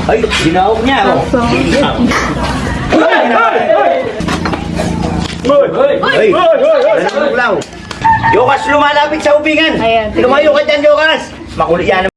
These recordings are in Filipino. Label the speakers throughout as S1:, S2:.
S1: Ay, ginawag niya, oh. Ay! Nanunuglaw! Jokas, lumalapit sa ubingan!
S2: Ayan.
S1: Lumayo ka dyan, Jokas! Makulit yan.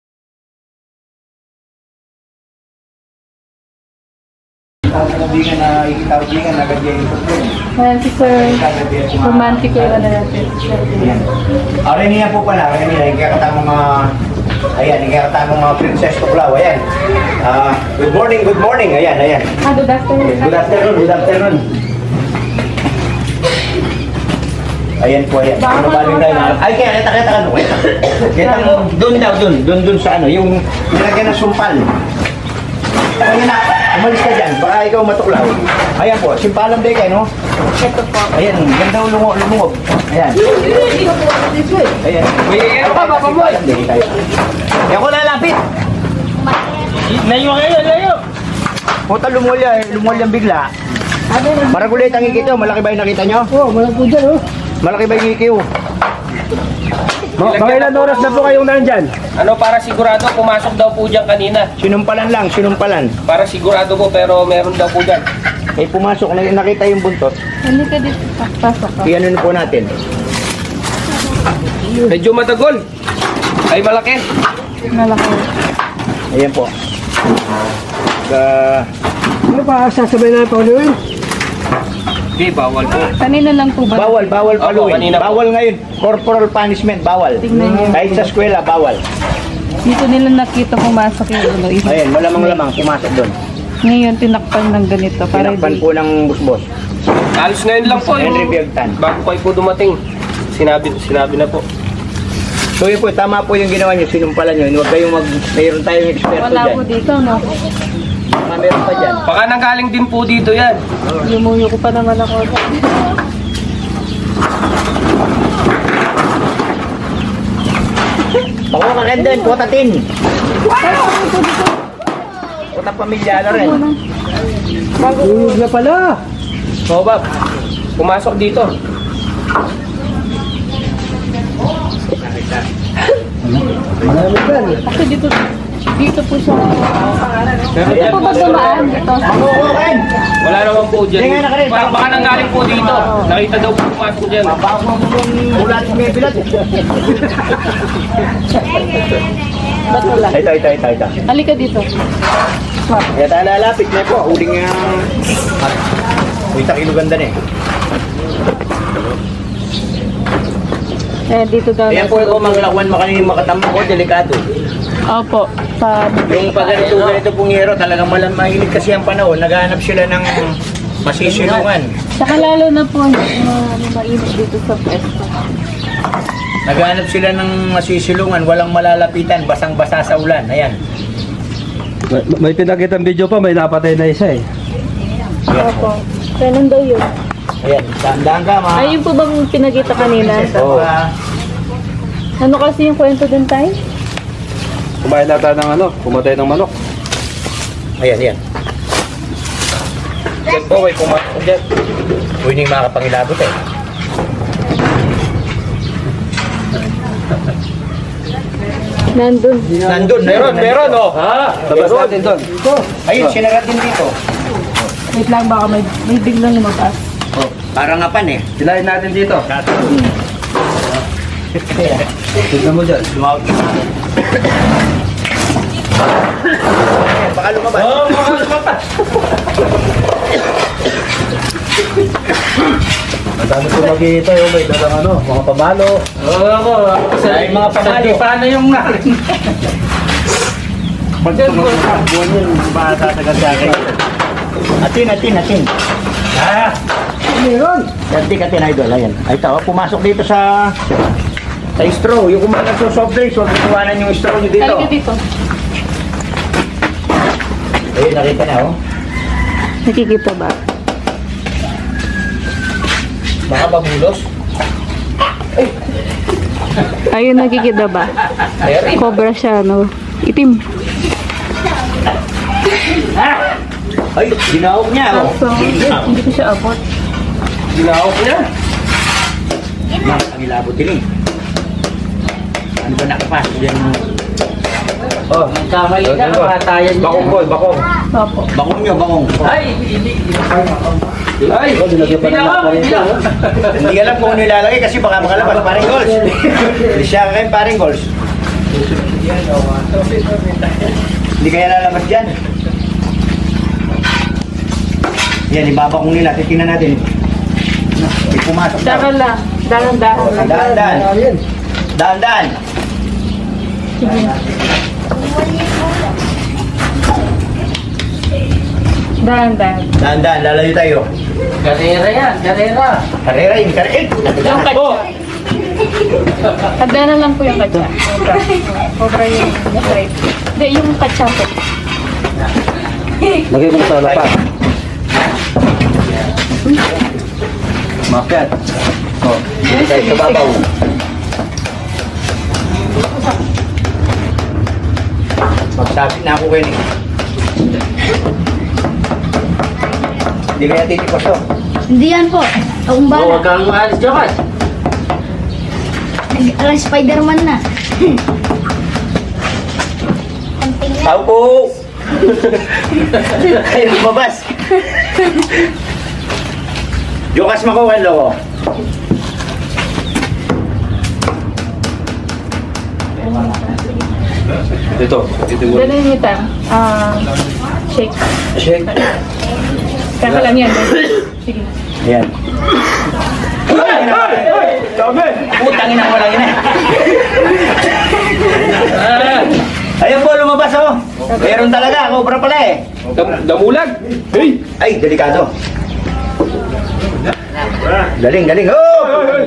S1: Ubingan na ikita ubingan, agad yan yung tutlong.
S2: Ayan si Sir. Romantic yung ano natin.
S1: Aray niya po pala, aray niya, ikakatamang mga... Ayan, ikakatamang mga princess tuklaw, ayan. Good morning, ayan, ayan.
S2: Good afternoon.
S1: Good afternoon. Ayan po, ayan. Ano ba rin tayo na? Ay, kaya, kita ka, kita mo, doon sa ano, yung nilagyan ng sumpal. Ayan na, umalis ka dyan, baka ikaw matuklaw. Ayan po, simpalang day kayo, no?
S2: Ito po.
S1: Ayan, ganda lumungog. Ayan. Ayan. Papa mo. Ayan ko lalapit. Layo. Puta lumulya bigla. Maragulit ang ikito, malaki ba yung nakita nyo?
S3: Oo, malaki po dyan, oh.
S1: Malaki ba yung ikiw?
S3: Mga ilan oras na po kayong nandyan?
S4: Ano, para sigurado, pumasok daw po dyan kanina.
S1: Sinumpalan.
S4: Para sigurado po, pero meron daw po dyan.
S1: Eh pumasok, nakita yung buntot.
S2: Hindi ka dito. Pasok ka.
S1: Iyan po natin.
S4: Medyo matagol. Ay, malaki.
S2: Malaki.
S1: Ayan po.
S3: Ano pa, sasabay na pauliwin?
S4: Hindi, bawal po.
S2: Kanina lang po ba?
S1: Bawal paluin.
S4: kanina po.
S1: Bawal ngayon. Corporal punishment, bawal.
S2: Tingnan niyo.
S1: Kahit sa eskwela, bawal.
S2: Dito nila nakita pumasok yung ulo.
S1: Ayan, malamang pumasok doon.
S2: Ngayon tinakpan ng ganito. Para
S1: Tinakpan
S2: di.
S1: po ng busbos.
S4: Halos ngayon lang po.
S1: Henry Biagtan.
S4: Bago kayo po dumating. Sinabi na po.
S1: So yun po, tama po yung ginawa nyo, sinumpalan nyo. Huwag kayong mayroon tayong eksperto
S2: Wala
S1: dyan.
S2: po dito, no?
S1: Meron pa dyan.
S4: Baka nanggaling din po dito yan.
S2: Lumuyo ko pa naman ako.
S1: Bako ka rin din, kotatin. Kota pamilyala rin.
S3: Uyog na pala.
S4: So, Bob, pumasok dito.
S3: Marami dyan, eh.
S2: Kasi dito po siya.
S4: Pero
S2: Dito
S4: yan
S2: po
S4: po,
S2: ba dumaan dito?
S1: Makukukin!
S4: wala naman po dyan.
S1: Tingnan na ka rin.
S4: Baka nanggaling po dito. Nakita daw po pumasok dyan.
S1: Mabako mo yung ulat mo yung bilat.
S2: Ba't wala?
S1: Ito.
S2: Halika dito.
S1: Kaya tayo lalapit na po. Huling nga. Uy, takilo ganda na eh.
S2: Eh, dito daw.
S1: Ayan po yung manglakwan makanin makatama ko, delikado.
S2: Opo.
S1: Yung pag ganito pong hero, talagang mahilig kasi ang panahon, naghahanap sila ng masisilungan.
S2: Saka lalo na po mainit dito sa pwesto.
S1: Naghahanap sila ng masisilungan, walang malalapitan, basang-basa sa ulan. Ayan.
S3: May pinakitang video pa, may napatay na isa, eh.
S2: Opo. Kailan daw yun?
S1: Ayan, daan ka mga...
S2: Ayun po bang pinagita kanina?
S1: Oo.
S2: Ano kasi yung kwento dun tayo?
S3: Kumain na tayo ng ano, pumatay ng manok.
S1: Ayan.
S4: Yan po, may pumasok dyan.
S1: Uy, hindi makakapangilabot eh.
S2: Nandun.
S1: Nandun,
S4: Meron, oh.
S3: Labas natin doon.
S1: Ayun, sinagat din dito.
S2: Wait lang, baka may biglang lumabas.
S1: Oh, parang ngapan eh.
S3: Silahin natin dito. Tignan mo dyan.
S1: Lumawag ka. Baka lumabas.
S4: Oh, mga lumabas.
S3: Madami ko magkita yung may dalang ano, mga pamalo.
S4: Oo, ako.
S1: Ay, mga pamalo.
S4: Paano yung narin?
S1: Pag tumunod sa buwan yun, baka tatagal sa akin. Atin.
S3: Meron!
S1: Atin, idol. Ayan. Ay, ito, pumasok dito sa straw. Yung kumakas sa soft drinks, huwag kukuhanan yung straw nyo dito.
S2: Halika dito.
S1: Ayun, nakita na, oh.
S2: Nakikita ba?
S4: Baka babulos.
S2: Ayun, nakikita ba? Cobra siya, no? Itim.
S1: Ay, ginawag niya, oh.
S2: So, hindi ko siya abot.
S4: Ginawak niya.
S1: Ang ilabot din eh. Ano ba nakapasok yan? Oh,
S4: Kamali ka, kamatayan niya.
S1: bakong boy, bakong.
S2: Opo.
S1: Bakong nyo, bakong.
S4: Ay, hindi. Ay,
S3: Nilagyan pa ng
S4: hindi na.
S1: Hindi alam kung ano ilalagay kasi baka makalabas. Paring goals. Hindi siya kayo paring goals. Hindi kaya lalabas dyan. Yan, ibabakong nila. Titingnan natin. May pumasok daw.
S2: Saka lang. Dahan-dahan.
S1: Oh, Daan-daan. Daan-daan.
S2: Sige. Dahan-dahan.
S1: Daan-daan. Lalayo tayo.
S4: Karera yan, karera.
S1: Karera yun. Karera.
S2: Yung katsa. Hagdanan lang po yung katsa. Cobra. Cobra yung right. Hindi, yung katsa po.
S3: Lagay mo sa lapat.
S1: Mapiat. Oh, dito tayo sa babaw. Magsapit na ako kayo eh. Hindi kaya titikos to.
S5: Hindi yan po. Akong
S4: Huwag
S5: bala.
S4: kang maalis, Jokas.
S5: Spider-Man na.
S1: Tao po! Ay, lumabas. Jokas makuha ko.
S3: Ito mo.
S2: Dala niyo tang. Shake.
S1: Shake.
S2: Kaka lang yan. Sige.
S1: Ayan. Sabi! Putangin ako lang yun eh. Ayan po, lumabas oh. Meron talaga, cobra pala eh.
S3: Damulag! Hey!
S1: Ay, delikado. Galing, galing. Oh!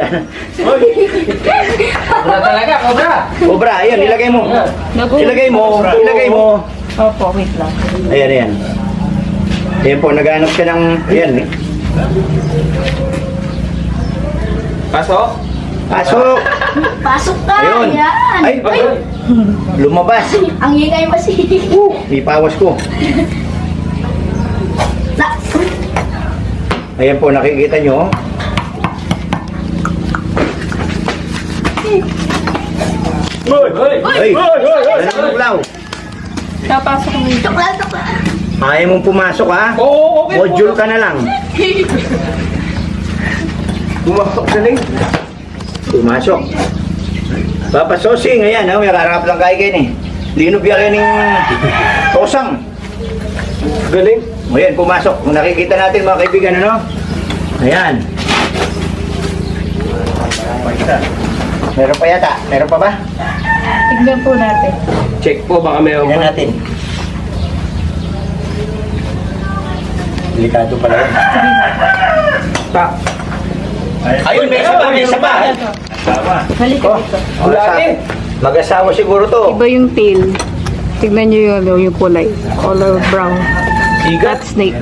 S4: Wala talaga, kobra.
S1: Cobra, ayan, ilagay mo. Ilagay mo, ilagay mo.
S2: Opo, wait lang.
S1: Ayan, ayan. Ayan po, naghanap siya ng, ayan eh.
S3: Pasok!
S1: Pasok!
S5: Pasok ka.
S1: Ayun.
S5: Yan.
S1: Ay, lumabas.
S5: Ang ingay mo si...
S1: May pawas ko.
S5: Sa-
S1: Ayan po, nakikita nyo. Ay! Nanulaw.
S2: Kapasok mo ito.
S5: Tukla, tukla.
S1: Ayaw mong pumasok ha?
S3: Oo, okay.
S1: Module ka na lang. Pumasok na lang. Pumasok. Papa Sosing, ayan, may kararap lang kayo kayo eh. Linog yan ng tosang.
S3: Galing.
S1: Ayan, pumasok. Kung nakikita natin mga kaibigan, ano? Ayan. Meron pa yata? Meron pa ba?
S2: Tignan po natin.
S3: Check po, baka mayroon
S1: Tignan
S3: pa.
S1: natin. Delikado pala yun.
S3: Pa.
S1: Ayun, may isa pa, may isa pa.
S2: Halika
S1: Oh,
S2: dito.
S1: mag-asawa siguro to.
S2: Iba yung tail. Tignan nyo yun, yung kulay. Color brown. Rat snake.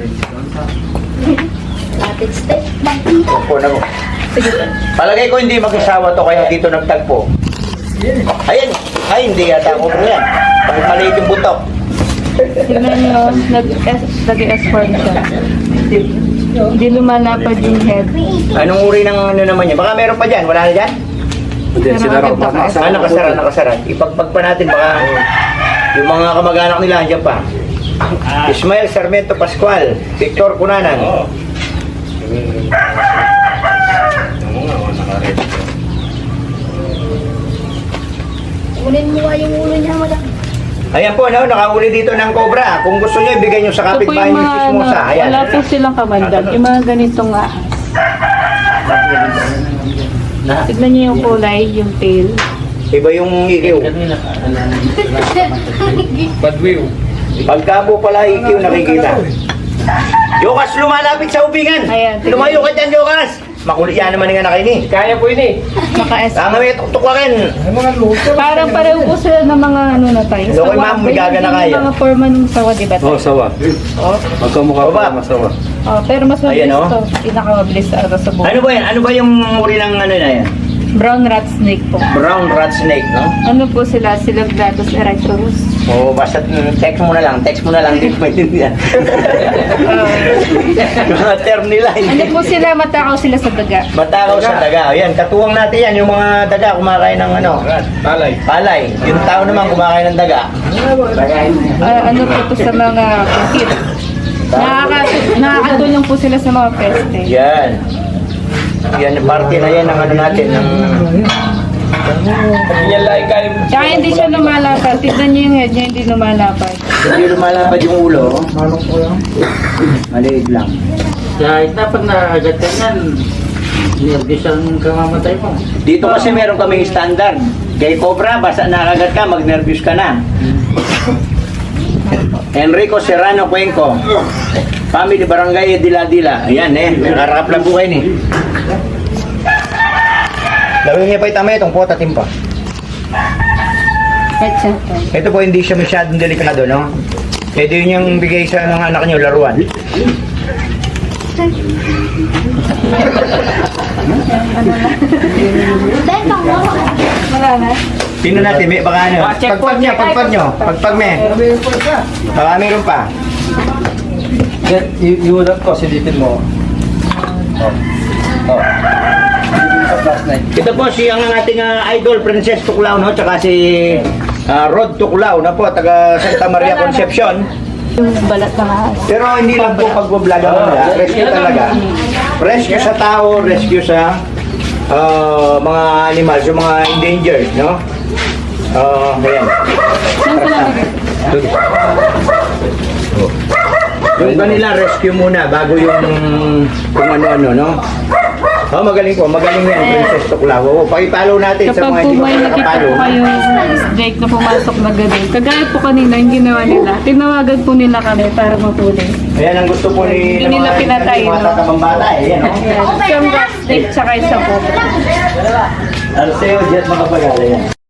S5: Lapit step.
S1: Opo na mo. Palagay ko hindi mag-asawa to kaya dito nagtagpo. Ayan. Ay, hindi yata ako po yan. Bakit maliit yung butok?
S2: Tignan nyo, nag-S-form siya. Hindi lumalapad yung head.
S1: Anong uri ng ano naman yan? Baka meron pa dyan. Wala na dyan?
S3: Hindi,
S2: Pero
S3: sinara ko.
S2: agad
S3: Nakasama
S1: Ah,
S3: ko
S1: nakasara,
S3: po.
S1: nakasara. Ipagpag pa natin baka yung mga kamag-anak nila andyan pa. Ismael Sarmiento Pascual, Victor Cunanan.
S5: Kunin mo nga yung ulo niya, madam.
S1: Ayan po, no, nakahuli dito ng cobra. Kung gusto niyo, ibigay niyo sa
S2: Ito po
S1: kapitbahay
S2: yung
S1: niyo
S2: mga,
S1: mismo sa. Ayan.
S2: wala po silang kamandag. Yung mga ganitong ahas. Tignan nyo yung kulay, yung tail.
S1: Iba yung ikiw.
S3: Badwiw.
S1: Pagka po pala ikiw nakikita. Yokas, lumalapit sa ubingan.
S2: Ayan, tignan.
S1: Lumayo ka dyan, Yokas. Makulit yan naman nga na kayo ni.
S4: Kaya po yun eh.
S2: Naka-S.
S1: Tanga may tuktuklakin.
S2: Parang pareho po sila ng mga ano na tayo.
S1: Lokoy, ma'am, may gagana kaya.
S2: Yung mga forma ng sawa, diba?
S3: Oh, sawa. Magkamukha
S1: Baba.
S3: pa masawa.
S2: Oh, pero mas mabilis
S1: Ayan, oh.
S2: to. Pinakamabilis sa sa buhay.
S1: Ano ba yan? Ano ba yung uri ng ano na yan?
S2: Brown rat snake po.
S1: Brown rat snake, no?
S2: Ano po sila? Silogdatus erectorus.
S1: O basta text mo na lang, hindi ko maintindihan. Mga term nila,
S2: Ano
S1: hindi.
S2: po sila? Matakaw sila sa daga.
S1: Matakaw sa daga. Ayan, katuwang natin yan, yung mga daga kumakain ng ano? Palay. Yung tao naman kumakain ng daga.
S2: Ano po to sa mga kit. Nakakatulong po sila sa mga peste.
S1: Yan. Yan, parte na yan ng ano natin, ng...
S2: Tsaka hindi siya lumalapad. Tignan niyo yung head niya, hindi lumalapad.
S1: Hindi lumalapad yung ulo. Maliit lang.
S4: Kahit na pag nakagat ka yan, nervous ang kamamatay mo.
S1: Dito kasi meron kaming standard. Kay Cobra, basta nakagat ka, mag-nervous ka na. Enrico Serrano Cuenco. Family Barangay Dila-Dila. Ayan nakarakap lang po kayo ni. Lawin niya pa itama itong pota timpa. Ito po hindi siya masyadong delikado, no? Pwede yun yung bigay sa mga anak niyo laruan.
S2: Wala na.
S1: Tingnan natin, may baka ano. Pagpag nyo. Pagpag me. Baka meron pa.
S3: Yung ulat ko, silipin mo.
S1: Ito po si ang ating idol, Princess Tuklaw, no? Tsaka si Rod Tuklaw, na po, taga Santa Maria Concepcion.
S2: Yung balat ng ahas.
S1: Pero hindi lang po pagbablog mo, rescue talaga. Rescue sa tao, rescue sa mga animals, yung mga endangered, no? Ayan. Yung kanila rescue muna bago yung kung ano-ano, no? Magaling yan, Princess Tuklaw. Pakipalo natin sa mga
S2: Kapag
S1: hindi
S2: po
S1: pa
S2: may nakita
S1: nakapalo.
S2: po kayong snake na pumasok na ganun, kagaya po kanina, yung ginawa nila, tinawagan po nila kami para mapuli.
S1: Ayan ang gusto po ni
S2: Hindi nila pinatay,
S1: mga
S2: no?
S1: tatabang bata, eh, yan, no?
S2: Isang rat snake tsaka isang po.
S1: Arceo, jet makapagala yan.